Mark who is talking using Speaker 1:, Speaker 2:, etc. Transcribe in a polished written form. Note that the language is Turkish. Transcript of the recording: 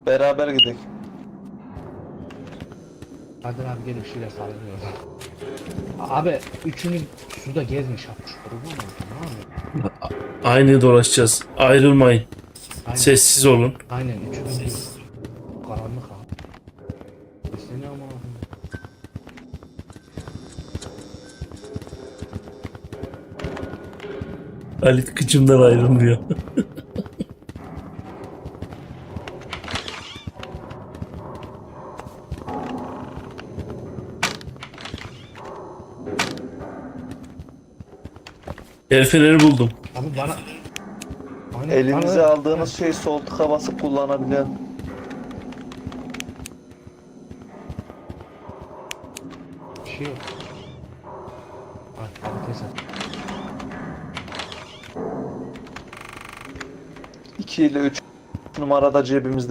Speaker 1: Beraber gidelim.
Speaker 2: Hadi abi gelin şöyle sallıyoruz. Abi üçünü suda gezmiş yapmış. Kurban oldu. Ne yapıyor?
Speaker 3: Aynı dolaşacağız. Ayrılmayın.
Speaker 2: Aynen.
Speaker 3: Sessiz olun.
Speaker 2: Aynen üçü bir karanlık abi. Seni ama
Speaker 3: Halit kıçımdan ayrılmıyor. El feneri buldum.
Speaker 2: abi bana Aynen,
Speaker 1: Elinize
Speaker 2: bana-
Speaker 1: aldığınız şeyi sol tıka basıp kullanabiliyor.
Speaker 2: Bir şey yok. Abi teyze.
Speaker 1: 2 ile 3 numarada cebimizde.